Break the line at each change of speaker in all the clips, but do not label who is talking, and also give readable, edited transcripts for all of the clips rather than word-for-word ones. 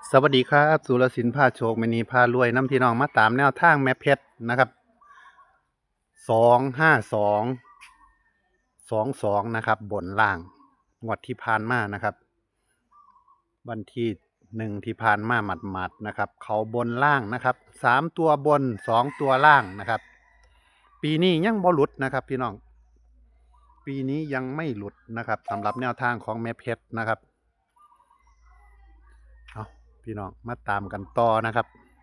สวัสดีครับสุรศิลป์พาโชคมณีพารวยน้ำพี่น้องมาตามแนวทางแม่เพชรนะครับ25222นะครับบนล่างงวดที่ผ่านมานะครับวันที่1ที่ผ่านมาหมัดๆนะครับเขาบนล่างนะครับ3ตัวบน2ตัวล่างนะครับปีนี้ยังบ่หลุดนะครับพี่น้องปีนี้ยังไม่หลุดนะครับสำหรับแนวทางของแม่เพชรนะครับเอาพี่น้องมาตามกันต่อนะครับ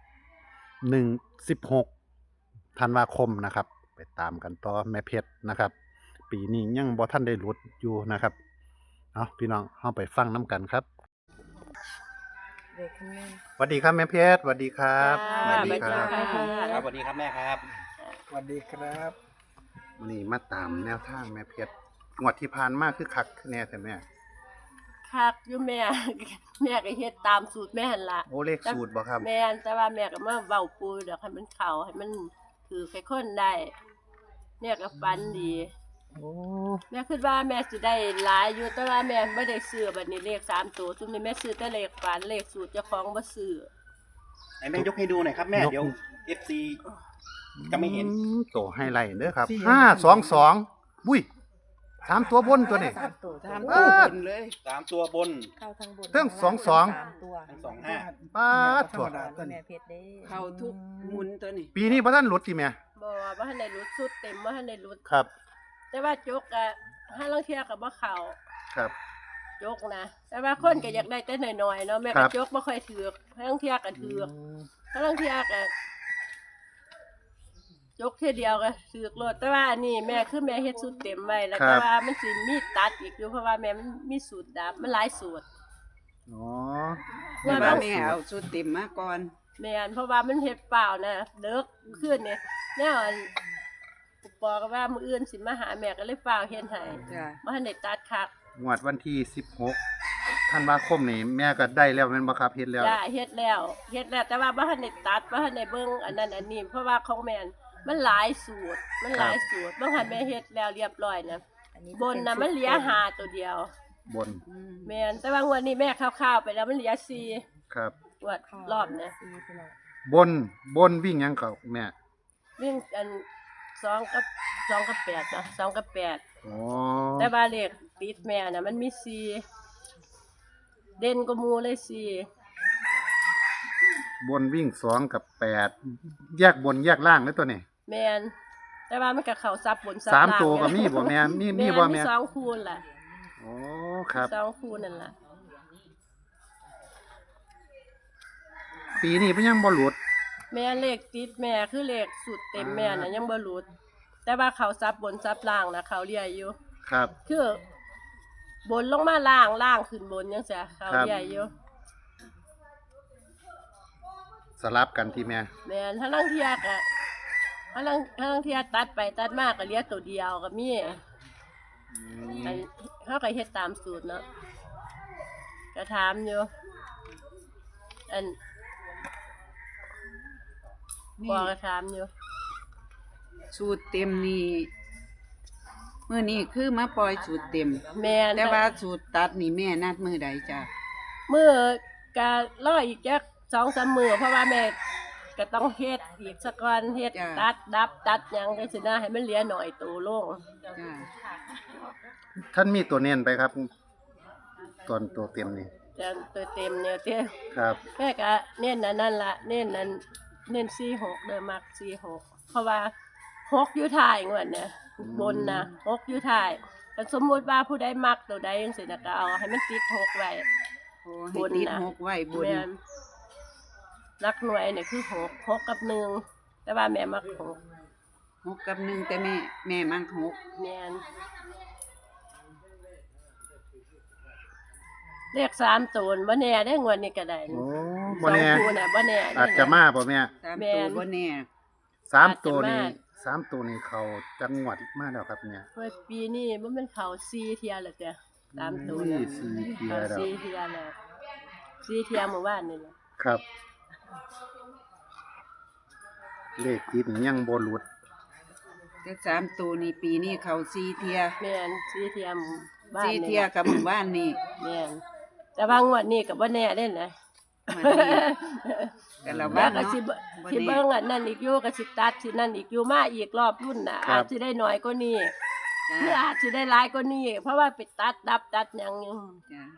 16ธันวาคมนะครับไปตามกันต่อแม่เพชรนะครับปีนี้ยังบ่ทันได้หลุดอยู่นะครับเอาพี่น้องเข้าไปฟังน้ำกันครับ
เด็กขึ้นแม่
สวัสดีครับแม่เพชรสวัสดีครับ
สวัสดี
ค
ค
รั
รับ บ
ครับสวัสดีครับแม่ครับ
สวัสดีครับ
วันนี้มาตามแนวทางแม่เพชรงวดที่ผ่านมาคือคักแน่แต่แม่
คักอยู่แม่ แม่ก็เฮ็ดตามสูตรแม่หั่นล่ะ
โอ้เลขสูตรบ่ครับ
แม่นแต่ว่าแม่ก็มาเว้าปูเดี๋ยวให้มันเข้าให้มันคือใครคนได้แม่ก็ฝันดี
โอ้
แม่คิดว่าแม่สิได้หลายอยู่แต่ว่าแม่บ่ได้ซื้อบัดนี้เลข3ตัวซุมนี้แม่ซื้อแต่เลขฝันเลขสูตรเจ้าของบ่ซื้อ
ไอ้แม่ยกให้ดูหน่อยครับแม่เดี๋ยว FC จะไม่เห็น
โตให้ไล่เด้อครับ522บุ้ย3ตัวบนตัวนี้
สามตัว
สาม
ตัว
บนเลย
3 ตัวบน
เข้าทั้งบน
เรื่องสองสอง
ตัว
ทั้ง25
ป้าด
ธร
ถั่ว
รมดาตัวนี้
แม่เพชรเด้
เข้าทุกหมุนตัวนี้
ปีนี้บ่ทันหลุดติแม่
บ่ว่าทันได้รุดสุดเต็มบ่ทันได้รุด
ครับ
แต่ว่าจกอะห้าลางเที่ยก็บ่เข้า
ครับ
จกนะแต่ว่าคนก็อยากได้แต่น้อยๆเนาะแม่
ครั
ก็
บ
จกบ่ค่อยถือกห้าลางเที่ยก็ถือกห้าลางเที่ยก็จกเที่ยเดียวก็ถือกโลดแต่ว่าอันนี้แม่คือแม่เฮ็ดสูตรเต็มไว้แล้วแต่ว่ามันสิมีตัดอีกอยู่เพราะว่าแม่มันมีสูตรดับมันหลายสูตร
อ๋อ
แต่ว่าแม่เอาชุดเต็มมาก่อน
แม่นเพราะว่ามันเฮ็ดเปล่านะเลิกขึ้นเนี่ยแนวอันปอก็ว่ามื้ออื่นสิมาหาแม่ก็เลยเปล่าเฮ็ดให้
จ้ะ
บ่ทันได้ตัดคัก
งวดวันที่16ธันวาคมนี่แม่ก็ได้แล้วแม่นบ่ครับเฮ็ดแล้ว
จ้าเฮ็ดแล้วแต่ว่าบ่ทันได้ตัดบ่ทันได้เบิ่งอันนั้นอันนี้เพราะว่าของแม่นมันหลายสูตรบางหันแม่เฮ็ดแล้วเรียบร้อยนะบนน่ะมันเหลือ5ตัวเดียว
บน
แม่นแต่ว่างวดนี้แม่คร่าวๆไปแล้วมันเหลือ4
ครับ
งวดรอบเนี่ย
บนวิ่งหยังก็แม่
วิ่งอัน2กับ8นะ2กับ8
อ๋อ
แต่ว่าเลขติดแม่น่ะมันมี4เด่นกว่าหมู่เลย4
บนวิ่ง2กับ8แยกบนแยกล่างเลยตัวนี้
แม่นแต่ว่ามันก็เข้าซับบนซับ
สาม
ล่าง
ตัวก็มีบ่แม่มีบ่
มี
แม่
สองคูณล่ะ
อ๋อครับ
สองคูณนั่นล่ะ
ปีนี้เพิ่นยังบ่หลุด
แม่เลขติดแม่คือเลขสุดเต็มแม่น่ะยังบ่หลุด แต่ว่าเขาซับบนซับล่างนะเขาเรียอยู่
ครับ
คือบนลงมาล่างล่างขึ้นบนจังซี่เขาเรียอยู่
สลับกันที่แม่
แม่นถ้าลางเที่ยก็ถ้าลางเที่ยตัดไปตัดมาก็เหลือตัวเดียวก็มีอันเฮาก็เฮ็ดตามสูตรเนาะก็ถามอยู่อันบ
นี่
อกก็ถามอยู่
สูตรเต็มนี่มื้อนี้คือมาปล่อยสูตรเต็ม
แม่น
แต่ว่าสูตรตัดนี่แม่นัดมื้อใดจ้ะ
มื้อก็รออีกจัก 2-3 มื้อเพราะว่าแม่ก็ต้องเฮ็ดอีกสักก่อนเฮ็ดตัดดับตัดหยังจังซี่นะให้มันเหลือหน่อยโตลง
จ้ะ
ท่านมีตัวเน้นไปครับตัวเต็มนี่
จะตัวเต็มเนี่ยเต้
ครับ
แม่ก็เน้นอันนั่นล่ะเน้นนั้นเน้น46เด้อมัก46เพราะว่า6อยู่ท้ายงวดเนี่ยบนนะ6อยู่ท้ายแต่สมมุติว่าผู้ใดมักตัวใดจังซี่น่ะก็เอาให้มันติด6ไว้
โอ้ให้ติด
บนน่ะ
หกไว้บน
แม่นหลักหน่วยเนี่ยคือ6กับ1แต่ว่าแม่มัก6
หกกับหนึ่งแต่แม่มักหก
แม่นเลข3ตัวบ่แน่ได้งวดนี้ก็ได้
โอ้บ่แน่
สองคู่น่ะบ่แน่ได้
อาจจะมาบ่แม่
สาม
แม่
ตัวน บ่แน่
3ตัวนี้
อาจจะมา
3ตัวนี้เขาจังหวัดมาแล้วครับเนี่ย
เฮ้ยปีนี้มันเป็นเขา4เที่ยแล้วจ้ะ3ตัว
นี่
น่ะ
4เทีย
เขา
แล้ว
4เที่ยแล้ว4เที่ยเมื่อวานนี่แหละ
ครับ เลขติดนี่ยังบ่หลุด
แต่สามตัวนี่ปีนี้เขาสี่เทีย
แม่น4เที่ยหมู่บ้าน
สี่
นี่
เทียกับหมู่บ้านนี่
แม่นแต่ว่างวดนี้ก็บ่แน่เด้นะ
มาดีแต่ละวั
แล้
น
วก็
เนาะ
สิ
บ่
สิ
แน่
เบิ่งอันนั้นอีกอยู่ก็สิตัดสินั่นอีกอยู่มาอีกรอบรุ่นน่ะ
ครับ
อาจสิได้น้อยกว่านี้
จ้า
หรืออาจสิได้หลายกว่านี้เพราะว่าไปตัดหยังอยู่
จ้า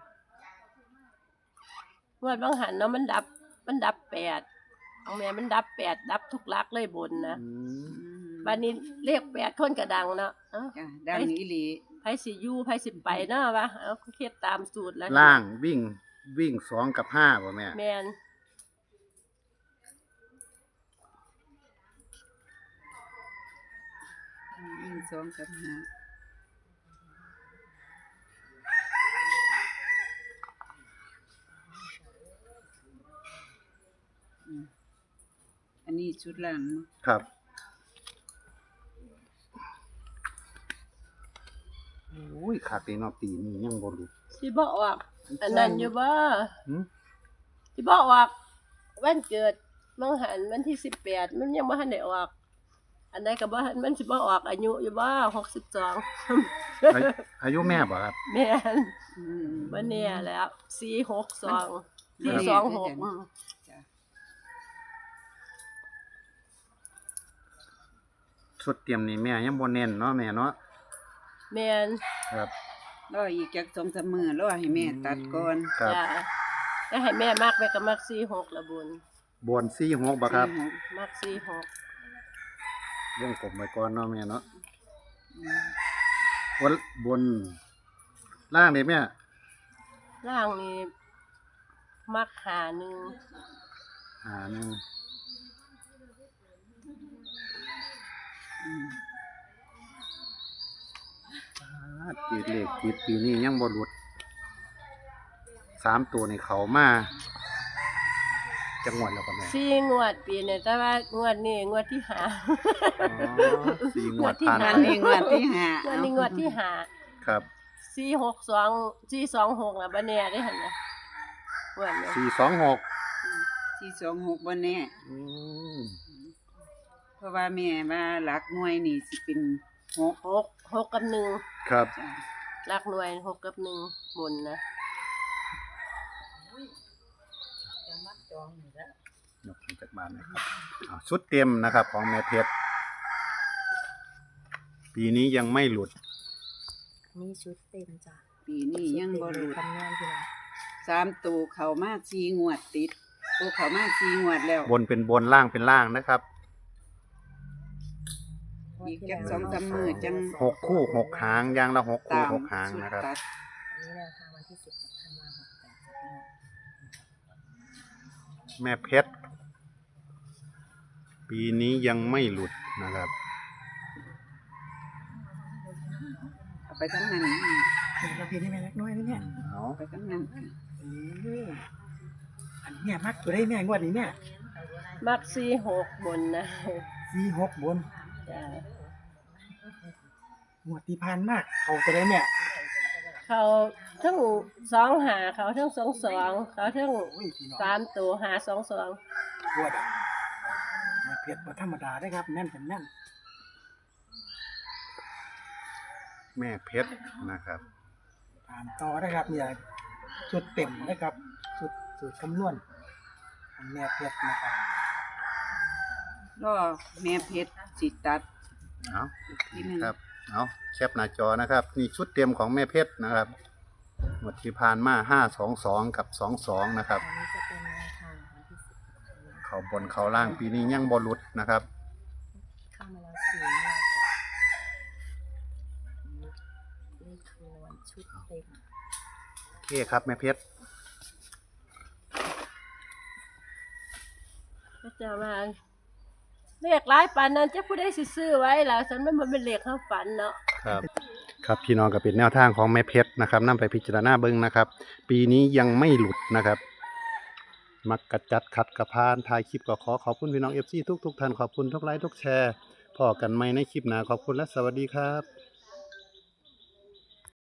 งวดบางหันเนาะมันดับ8ของแม่มันดับ8ดับทุกหลักเลยบนนะ
อืม
บัดนี้เลข8คนก็ดังเนาะเอ้า
จ้าดังอีหลี
ไผสิอยู่ไผสิไปเนาะวะเอาเฮ็ดตามสูตรแล้ว
ล่างวิ่ง2 กับ 5บ่แม่
แม่น
วิ่ง2 กับ 5อันนี้ชุดล่างเนาะ
ครับโอ้ยขาดตีเนาะปีนี้ยังบ่หลุด
สิบ่ออกอันนั้นอยู่บ่
หึ
สิบ่ออกวันเกิดบางหันวันที่18มันยังบ่ทันได้ออก อันใดก็บ่ทันมันสิบ่ออกอายุอยู่บ่62
อายุแม่บ่ครับ
แม่น
อืม
บ่แน่แล้ว462
มัน
426
จ้ะ
ชุดเตรียมนี่แม่ยังบ่เน้นเนาะแม่เนาะ
แม่น
ครับ
รออีกจัก2-3มื้อรอให้แม่ตัดก่อน
ครับ
จ้ะแล้วให้แม่มักแม่ก็มัก46ละบุญ
บน46บ่ครับ
มัก46
วงกลมไว้ก่อนเนาะแม่เนาะ
อืม
บนล่างนี่แม่
ร่างนี้มักหาหนึ่ง
หนึ่ง
อืม
ติดเลขติดปีนี้ยังบ่หลุด3ตัวนี่เขามาจังหวัดแล้วก็แม่
4งวดปีเนี่ยแต่ว่างวดนี้งวดที่5
อ๋อ4งวดผ่าน
อัน
ไป
นี้งวดที่ห้าง
วดนี้งวดที่5
ครับ
462 426ล่ะบ่แน่เด้หั่นน่ะงวดนี้
426
426บ่แน่
อืม
เพราะว่าแม่ว่าหลักหน่วยนี่สิเป็น6
6กับ1
ครับ
จ้ะ
หลักหน่วย6กับ1บนนะ
ยกขึ้นจากบ้านนะครับชุดเต็มนะครับของแม่เพชรปีนี้ยังไม่หลุด
นี่ชุดเต็มจ้ะ
ปีนี้ยังบ่หลุด
คำนวณพี่น้อง
3ตัวเข้ามา4งวดติดโอ้เข้ามา4งวดแล้ว
บนเป็นบนล่างเป็นล่างนะครับ
อีกจัก2-3มื้อจัง
6 คู่ 6 หางอย่างละ6 คู่
ตาม
6 หางนะครับ
ชุดตัด
อันนี้แนวทางวันที่10ธันวาคม68จ้ะพี่น้อง
แม่เพชรปีนี้ยังไม่หลุดนะครับ
เอาไปทั้งนั้น
เราเพียงได้แม่เล็กน้อยนี่เนี่ย
เอา
เอาไปทั้งนั้น
อันเนี้ยมักตัวได้แม่งวดนี้แม่
มัก46บนนะ
46บน
จ้ะ
งวดที่ผ่านมากเขาตัวได้แม่
เขาทั้ง25เขาทั้ง22เขาทั้ง
โอ้ยพี่น้อง
3ตัว522
งวดอ่ะแม่เพียรบ่ธรรมดาได้ครับแม่นเป็นแม่น
แม่เพชรนะครับ
ตามต่อได้ครับเนี่ยชุดเต็มนะครับสูตรคำนวณของแม่เพียรนะครับ
รอแม่เพชรสิตัด
เอา
ทีหนึ่ง
ครับเอาแคปหน้าจอนะครับ นี่ชุดเต็มของแม่เพชรนะครับหมดที่ผ่านมา522กับ22นะครับ
อันนี้จะเป็นแนวทางวันที่10ธันวาคม
เขาบนเขาล่างปีนี้ยังบอลุดนะครับ
เข้ามาแล้ว4งวดจ้ะเลขคำนวณชุดเต็ม
โอเคครับแม่เพชร
ก็จะมาเลขหลายปานนั้นจะผู้ใดสิซื้อไว้ล่ะฉันมันบ่เป็นเลขเข้าฝันเนาะ
ครับครับพี่น้องก็เป็นแนวทางของแม่เพชรนะครับนำไปพิจารณาเบิ่งนะครับ ปีนี้ยังไม่หลุดนะครับ มักกระจัดขัดกระพานถ่ายคลิปก็ขอบคุณพี่น้อง FC ทุกท่านขอบคุณทุกไลค์ทุกแชร์พอกันใหม่ในคลิปหน้าขอบคุณและสวัสดีครับ